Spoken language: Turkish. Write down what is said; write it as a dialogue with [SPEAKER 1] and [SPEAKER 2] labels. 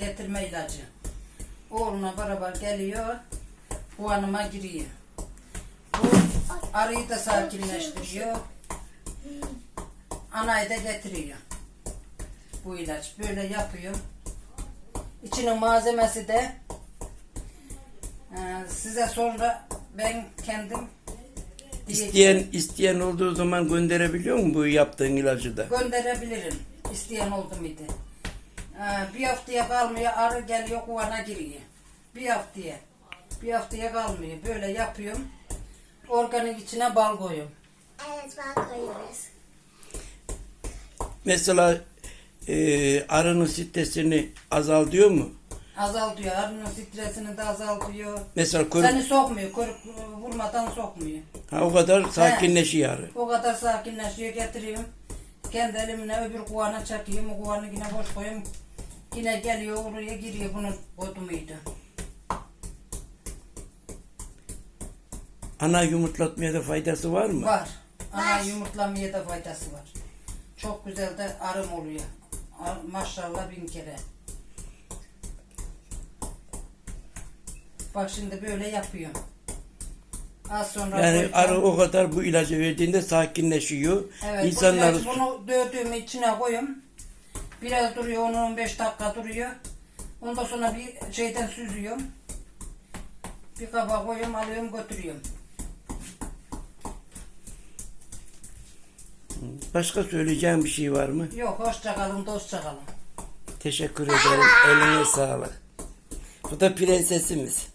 [SPEAKER 1] getirme ilacı. Oğluna beraber geliyor. Kuvanıma giriyor. Bu arıyı da sakinleştiriyor. Anayı da getiriyor. Bu ilaç böyle yapıyor. İçinin malzemesi de size sonra ben kendim
[SPEAKER 2] İsteyen olduğu zaman gönderebiliyor mu bu yaptığın ilacı da?
[SPEAKER 1] gönderebilirim. İsteyen oldu muydu? Bir haftaya kalmıyor, arı geliyor kuvana giriyor. Bir haftaya kalmıyor. Böyle yapıyorum. Organik içine bal koyuyorum.
[SPEAKER 3] Evet, bal koyuyoruz.
[SPEAKER 2] Mesela arının stresini azaltıyor mu?
[SPEAKER 1] Azaltıyor. Arının stresini de azaltıyor.
[SPEAKER 2] Mesela
[SPEAKER 1] Seni sokmuyor. Koruk vurmadan sokmuyor.
[SPEAKER 2] o kadar sakinleşiyor arı.
[SPEAKER 1] O kadar sakinleşiyor. Getiriyorum. Kendi elimle öbür kuvana çakıyorum. O kovanı yine boş koyuyorum. Yine geliyor oraya giriyor. Bunun kodumuydu.
[SPEAKER 2] Ana yumurtlatmaya da faydası var mı?
[SPEAKER 1] Var. Ana yumurtlamaya da faydası var. Çok güzel de arım oluyor. Maşallah 1000 kere. Bak şimdi böyle yapıyorum. Az sonra
[SPEAKER 2] Yani
[SPEAKER 1] koyacağım.
[SPEAKER 2] arı o kadar bu ilacı verdiğinde sakinleşiyor.
[SPEAKER 1] Evet,
[SPEAKER 2] İnsanlar
[SPEAKER 1] bunu dövdüğüm içine koyuyorum. Biraz duruyor, 10-15 dakika duruyor. Ondan sonra bir şeyden süzüyorum. Bir kaba koyuyorum, alıyorum, götürüyorum.
[SPEAKER 2] başka söyleyeceğim bir şey var mı?
[SPEAKER 1] Yok, hoşça kalın, dostça kalın.
[SPEAKER 2] Teşekkür ederim. Eline sağlık. Bu da prensesimiz.